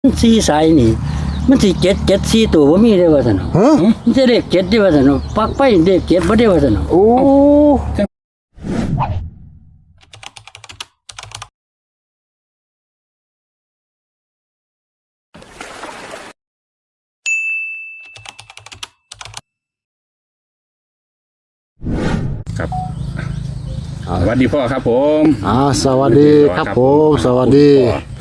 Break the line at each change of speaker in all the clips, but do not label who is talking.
มันสี่สายนี่มันสิเจ็ดสี่ตัวบ่มีได้ว่าซั่นเนาะมันจะเลขเจ็ดได้ว่าซั่นเนาะปักไปเลขเจ็ดบ่ได้ว่าซั่นเนาะ
โอ้
ครับสวัสดีพ่อครับผม
สวัสดีครับผมสวัสดี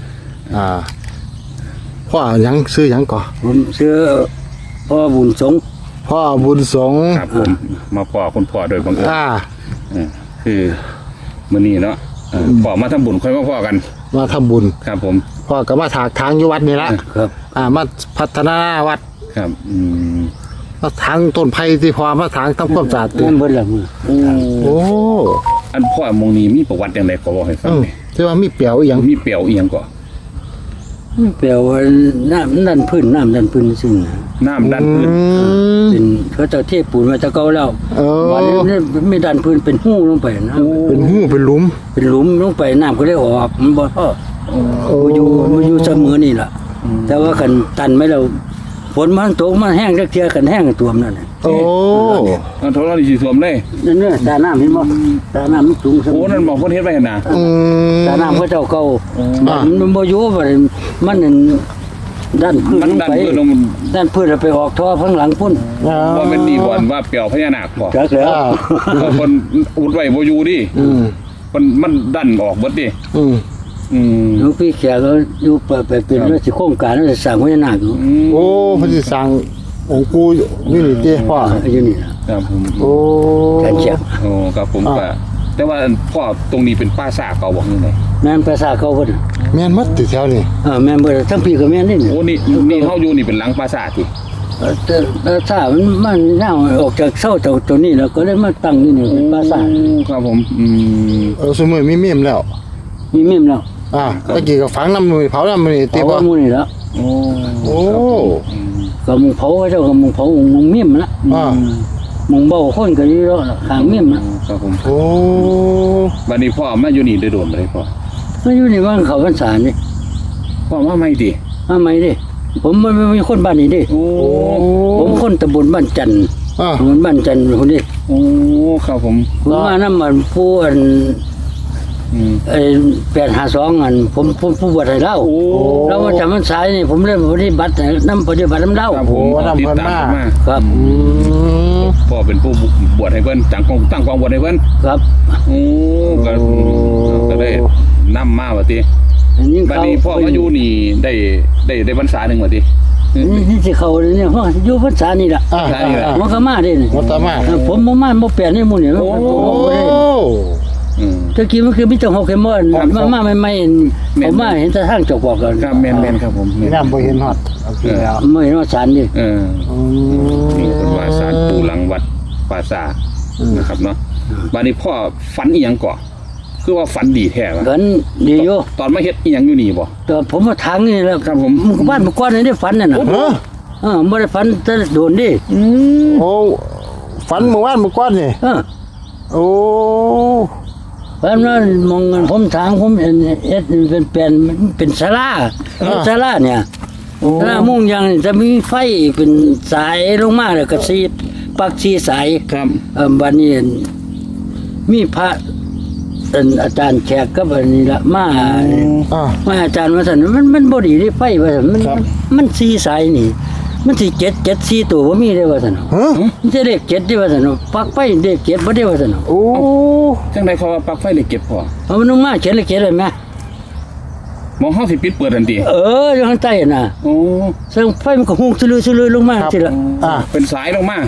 พ่อยังซื้อยังก่อ
ผมชื่อพ่อบุญสงฆ์
พ่อบุญสงฆ์
ครับผมมาพ่อคุณพ่อโดยบังเอิญคือมื้อนี้เนาะพ่อมาทำบุญค่อยมาพ่อกัน
มาทำบุญ
ครับผม
พ่อก็มาถากทางอยู่วัดนี่ละ
ครับ
มาพัฒนาวัด
ครับ
มาทางต้นไผ่ที่พอมาทางทำความสะอาด
นั่นเบิดละมือ
โอ้
อันพ่อมงนี้มีประวัติอย่างไรก็บอกให้ฟังหน่อย
ที่ว่ามีเปียวอย่าง
มีเปี่ยวเอียงก่อ
แปลว่าน้ำดันพื้นซึ่งนะ
น้ำดันพื้น
เป็นเขาเจ้าเทปูนมาจะเก่าแล้ว วันนี้ไม่ดันพื้นเป็นหู้ลงไปนะ
เป็นหูเป็นหลุม
เป็นหลุมลงไปน้ำก็เลยออกมันบ่พอมาอยู่เสมอนี่ล่ะแต่ว่ากันตันไหมเราฝนมันตกมันแห้งเทียกันแห้งตัวมันนั่นน่ะ
โอ้
เอาโทรศัพท์สีสวมเลย
นั่นเนี่ยตาน้ำเห็นบ่ตาน้ำมันสูงเสม
โอ้
อ
นั่นบอกคนเฮ็ดไว้หั่นน่ะ
ตาน้ำเขาเจ้าเก่ามันบ่อยู่ว่ามันนั่นด้านพื้น
มัน
ลง
ดัน
ไป
พื้นลง
ด้านพื้นเราไปออกท่อข้างหลังพุ่น
ว่าเป็นดีบ่อนว่าเปี่ยวพญานาคบ่
จักแล้ว
คนอุดไว้บ่อยู่ดิมันดันออกเบิดดิ
หลวงพี่แขกก็อยู่ไปเป็นราชโครงการราชสร้างพญานาคอยู่
โอ้พระสิสั่งองค์กูนี่นี่เจ้พ่อ
อยู่นี่ล่ะ
ครับผม
โอ้
แขกแขก
โอ้ครับผมก็แต่ว่าพ่อตรงนี้เป็นป้าซ่าเก่าบอกนี่ไง
แม่นภาษาเขาเพิ่น
แม่นมัดติดแถวนี่
แม่นเบิดทั้งพี่ก็แม่นนี่
โอ้นี่เฮาอยู่นี่เป็นหลังป้าซ่าติ
แต่ถ้ามันน่าออกจากเศร้าจากตัวนี้แล้วก็เลยมาตั้งนี่เป็นภาษา
ครับผม
สมมุติมีเมียมแล้ว
มีเมมแล้ว
ตะกี้ก็ฝังน้ำมือเผาน้ำมือติ
เผา
บ่
หมู่นี่แล้ว
โอ้
โอ้
ก็มึงเผาเจ้าก็มึงเผามึงเมมละมึงเบาคนก็อยู่แล้วข้างเมมนะครับ
ผม
โอ้
บัดนี้พ่อมาอยู่นี่ได้โดนบ่ได้พ่อ
ก็อยู่ในบ้านเขาพรรษานี่
พ่อมาใหม่ติ
มาใหม่ดิผมไม่มีคนบ้านนี้ดิ
โอ้
ผมคนตำบลบ้านจันทร์ ตำบลบ้านจันทร์คนนี้
โอ้ครับผม
ผมมาน้ำมันผู้อัน852อันผมผู้บวชให้เล่าแล้วว่าจำพรรษานี่ผมเริ่มปฏิบัติน้ำปฏิบัติน้ำเล่า
ครับผมติดตามมา
ครับ
พ่อเป็นผู้บวชให้เพิ่นตั้งกองบวชให้เพิ่น
ครับ
โอ้ก็ได้นำมาว่าติ
อันนี้
บัด
เขา
นี้พ่อมาอยู่นี่ได้พรรษาหนึงว่าติ
นี่สิเขาเนี่ยเพราะอยู่พรรษานี่ล่ะมันก็มาได้นี่
วัตมา
ผมบ่มาบ่แปลนนี่หมู่นี่
โอ้
ตะกี้มันคือมีแต่6เข็มบ่มาใหม่ๆผมมาเห็นแต่ทางจอกบอกกัน
ครับแม่นครับผม
น้ำบ่เห็นฮอดเอาสิแล้ว
ไม่เห็นว่าสารนี่
นี่เป็นว่าสารปูหลังวัดป่าซานะครับเนาะบัดนี้พ่อฝันอีหยังก่อคือว่าฝันดีแท้วะ
กันดีอยู่
ตอนมาเฮ็ดอีหยังอยู่นี่บ่
แต่ผมมาทางนี่แล้ว
ครับผม
บ้านเมื่อก่อนนี่ได้ฝันน่ะนะไม่ได้ฝันแต่โดนดิ
โอ้ฝันเมื่อวานเมื่อก่อนนี่โอ้
ฝันว่ามองผมทางผมเอ็ดเป็นศาลาศาลาเนี่ยศาลามุ่งยังจะมีไฟเป็นสายลงมาแล้วก็สีปักสีสาย
ครับ
บัดนี้มีพระอาจารย์แขกก็บัดนี้ละมาอาจารย์ว่าซั่นมันบ่ดีที่ไฟว่าซั่นมันสีสายนี่มันสิเจ็ด4ตัวบ่มีได้ว่าซั่นมันจะเลข7ได้ว่าซั่นปักไฟเลข7บ่ได้ว่าซั่น
โอ้
จังได๋เขาว่าปลั๊กไฟเลยเก็บพ่อ
เอามันลงมาเขียนเลข7เลยแม่
มองเฮาสิปิดเปิดทันที
อยู่ข้างใต้น่ะ
โอ้
แสงไฟมันก็หุ่งซื่อๆลงมาสิล่ะ
เป็นสายลงมา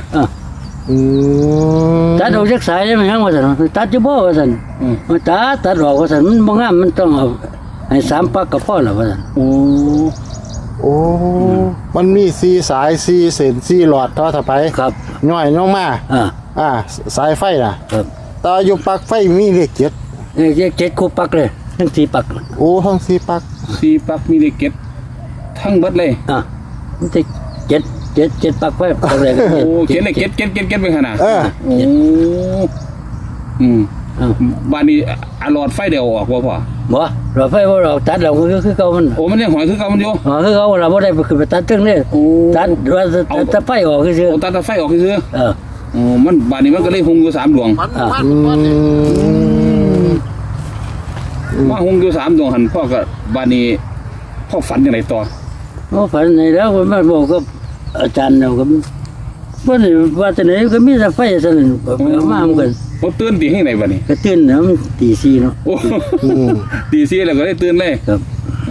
ตัดออกจากสายได้มั้ยฮะว่าซั่นตัดอยู่บ่ว่าซั่นมาตัดออกว่าซั่นมันบ่งามมันต้องเอาให้3ปักก็พอแล้วว่าซั่น
โอ้มันมี4สาย4เส้น4หลอดต่อถ้าไป
ครับ
ย่อยลงมาสายไฟน่ะ
ครับ
ต่ออยู่ปลั๊กไฟมีเลข7
เลข7คู่ปักเลยทั้ง4ปัก
โอ้ทั้ง4ปลั๊ก
สีปลั๊กมีเลยเก็บทั้งเบิดเลย
มันจะ7ปักไว้ปักเลย
โอ้เขียนเลยเก็บไปขนาดโอ้บ้านนี้หลอดไฟเดียวออกบ่พ่อ
บ่เราไฟบ่เราตัดเราคือเก่ามัน
โอ้มันยังหอยคือเก่ามันอยู่
อ๋อคือเขาเราบ่ได้ไปขึ้นไปตัดตึ้งนี่
โอ้
ตัดว่าจะไฟออกคือ
โอ้ตัดไฟออกคือ
เออ
มันบ้านนี้มันก็เลยหุงอยู่3ดวงมาหุงอยู่3ดวงหันพ่อก็บ้านนี้พ่อฝันจังไดต่อ
โอ้ฝันในแล้วคนมาบอกกับอาจารย์เราก็ว่านี่ว่าแต่ไหนก็มีแต่ไฟซะนั่นมามันก็
บ่ตื่นตีให้ไหนบ้านนี้
ก็ตื่นนะมันตี 4เนาะ
โอ้ตี4แล้วก็ได้ตื่นเลย
ครับ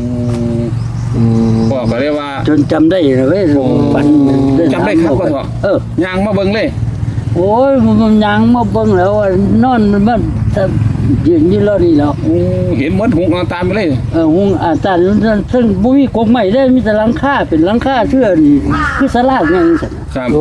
พ่อก็เลยว่า
จนจำได้เลยเว้ยฝัน
จำได้ครับพ่อ ย่างมาเบิ่งเลย
โอ้ยมันยังมาเบิ่งแล้วนอนมันยืนอยู่แล้วนี่แล้ว
เห็นหมดหุงตามไปเลย
หุงอาจารย์ซึ่งบ่มีกกไม้ได้มีแต่หลังคาเป็นหลังคาเชื่อนี่คือศาลาอย่างนี้ซั่น
ครับ
โอ้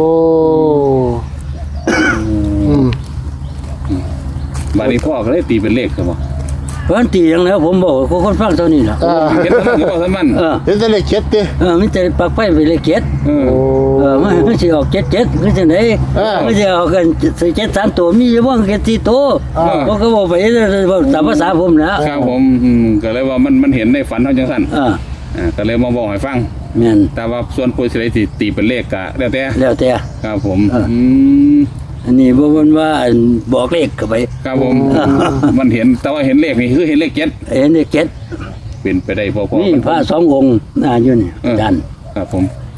อืม
บ้านนี้พ่อก็เลยตีเป็นเลขครับบ่
เพราะตีอย่างแล้วผมบอกว่าคนฟังเท่านี้ล่ะ
เห็นแล้วก็บ่ทันมัน
เห็นแต่เลขเจ็ดดิ
มันจะปักไฟไปเลยเจ็ด
โอ้
มันสิออก7คือจังได๋มันสิออกกัน7 3ตัวมีอยู่บ่แค่4ตัวบ่ก็บอกไปตามภาษาผมนะครับ
ผมก็เลยว่ามันเห็นในฝันเฮาจังซั่นก็เลยมาบอกให้ฟัง
แม่น
แต่ว่าส่วนผู้สิได้ตีเป็นเลขก็แล้วแต่
แล้วแต่
ครับผม
อันนี้บ่มันว่าบอกเลขเข้าไป
ครับผมมันเห็นแต่ว่าเห็นเลขนี่คือเห็นเลข7
เห็นเลข7
เป็นไปได้พอ
นี่พระ2องค์อยู่นี่อาจารย์
ครับผม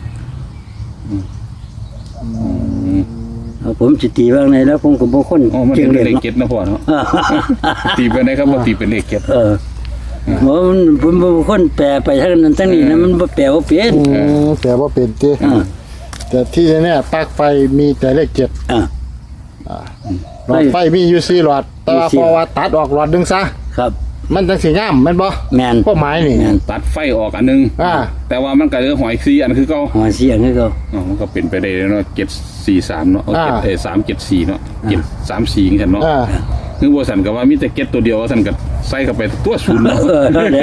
ผมสิตีว่าไงแล้วผมก็บ่คน
อ๋อมัน
เก่
เป็
ง
น
เลย
เลข
เนาะ
7นะพ่อเนาะตีไปได้ครับว่าตีเป็นเลข7
ผมบ่คนแปลไปทางนั้นทางนี้นะมันบ่แปลว่าเป็น
แต่ว่าเป็นดิแต่ที่แน่ๆปลั๊กไฟมีแต่เลขเจ็ดหลอดไฟมีอยู่4หลอดแต่ว่าเพราะว่าตัดออกหลอดหนึงซะ
ครับ
มันจังสิงามแม่นบ่
แม่น
พวกไม้นี่
ตัดไฟออกอันนึงแต่ว่ามันก็เหลือหอย4อันคือเก่า
หัวเสียงคือเขา
มันก็เป็นไปได้เนาะ743เนาะ374เนาะ734กันเนาะคือบ่สั่นก็ว่ามีแต่7ตัวเดียวว่าสั่นก็ใส่เข้าไปตัวศูนย์เนาะ
นั่นแหละ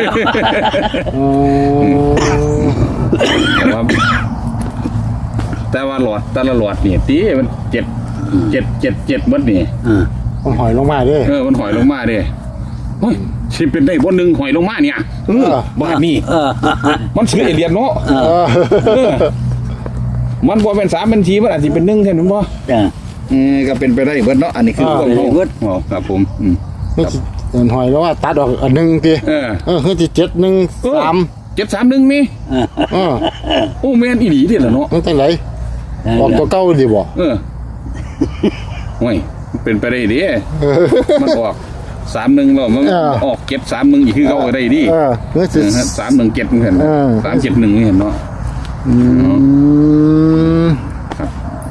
แต่ว่าหลอดแต่ละหลอดนี่ตีมัน7หมดนี่
มันหอยลงมาเด้
มันหอยลงมาเด้โอ้ยสิเป็นได้บ่นึงหอยลงมาเนี่ยบ้านนี้มันชื่อเอเลียนเนาะมันบ่เป็น3เป็น4มันอาจสิเป็น1แท้มั้ยบ่ก็เป็นไปได้เบิดเนาะอันนี้คือความรู้ครับผม
นี่สิหอยแล้วว่าตัดออกอันหนึงติคือสิ713
731มีโอ้แม่นอีหลีเด้ล่ะเนาะ
มันจังได๋ออกตัวเก่าดิบ่
โอ้ยเป็นไปได้ดิมันออก31แล้วมันออก731อีกคือเก่าได้ดิ
คือสิ
317เห็น371เห็นเนาะครับ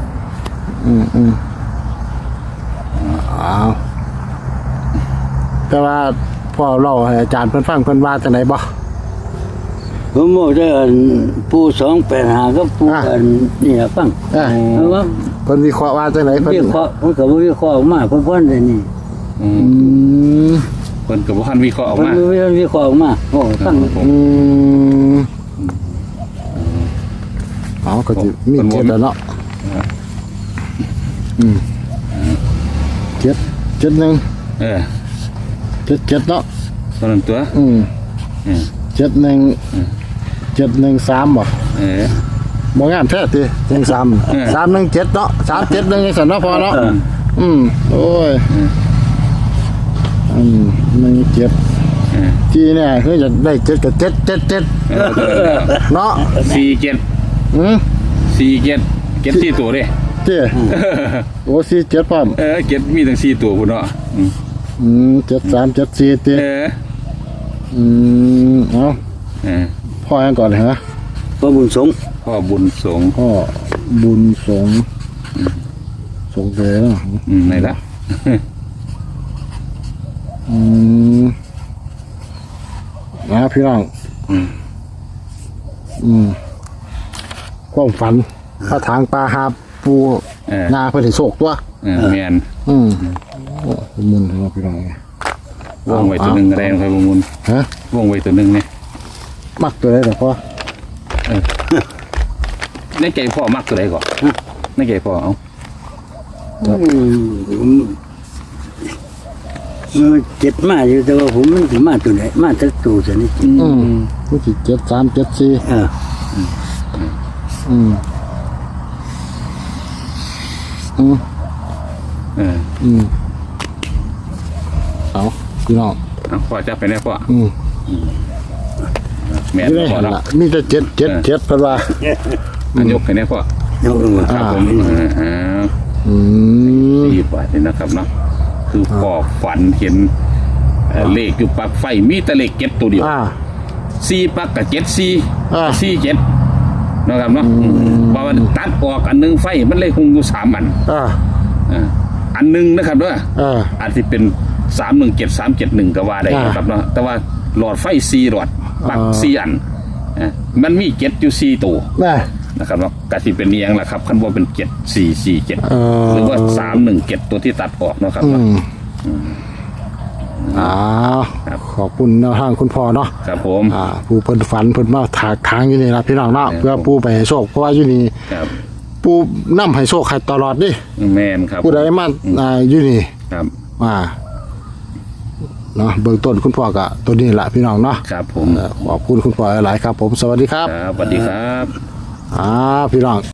อ้าวแต่ว่าพ่อเล่าให้อาจารย์เพิ่นฟังเพิ่นว่าจังได๋บ่
ผมบอกจะผู้285กับผู้นี่ล่ะฟังว่า
เพิ่นวิเคราะห์ว่าจังได๋เพิ่น
วิเคราะห์มันก็บ่วิเคราะห์ออกมาเพิ่นได้นี่
เพิ่นก็บ่ทันวิเคราะห์ออกมา
เพิ่นวิเคราะห์ออกมาโอ้ฟัง
ก็สิมีเจ็ดแล้วเนาะ7 17เนาะ
ตอนนั้นตัว
713บ่บ่งามแท้ติ13 317เนาะ371จังซั่นเนาะพอเนาะโอ้ย17ที่เนี่ยคือจะได้7กับ7เนาะ
47 4ตัวเด้
เจ้โอ้47พร้อม
7มีทั้ง4ตัวพุ่นเนาะ
73 74ติเอาพ่อยังก่อนเลยฮะ
พ่อบุญสง
สงเลยเนาะ
ไหนล่ะ
พี่น้องความฝันถ้าทางปลาหาปูนาเพื่อถึงโศกตัว
แม่น
มุนครับพี่น้อง
วงไว้ตัวนึงอะไรนะครับมุนวงไว้ตัวนึงเนี่ย
มักตัวไหนหรอพ่อ
ในใจพ่อมักตัวไหนก่อนในใจพ่อเอา
เจ็ดมาอยู่แต่ว่าผมมันถึงมาตัวไหนมาจากตัวซะนี่
ผู้ที่7374
เออ
อืม
เออ
เอาพี่น้อง
เอาพ่อจับไปแน่พ่อ
อืม
แม่น
ไม่ได้
พ่อ
เห็น
เนาะ
ละมีแต่777เพิ่นว่า
อันยกให้แน่พ่อ
เอาลงมา
ครับผม4 บาทนี่นะครับเนาะคือพ่อฝันเห็นเลขอยู่ปลั๊กไฟมีแต่เลขเก็ตตัวเดียว 4 ปลั๊กกับ47นะครับเนาะพอมันตัดออกอันนึงไฟมันเลยคงอยู่3อันอันนึงนะครับเด้ออาจจะเป็น317371ก็ว่าได้ครับเนาะแต่ว่าหลอดไฟ4หลอดปลั๊ก4อันมันมีเก็ตอยู่4ตัวนะครับเนาะก็สิเป็นเอียงล่ะครับคันบ่เป็น7447หรือว่า317ตัวที่ตัดออกเนาะครับ ข
อบคุณแนวทางคุณพ่อเนาะ
ครับผม
ผู้เพิ่นฝันเพิ่นมาถากทางอยู่นี่ล่ะพี่น้องเนาะเพื่อผู้ไปให้โชคเพราะว่าอยู่นี่
ครับ
ผู้นำให้โชคให้ตลอดดิ
แม่นครับ
ผู้ใดมาอยู่นี่
ครับ
เนาะเบื้องต้นคุณพ่อก็ตัวนี้ล่ะพี่น้องเนาะ
ครับผม
ขอบคุณคุณพ่อหลายๆครับผมสวัสดีครับ
ครับสวัสดีครับ
พี่น้อง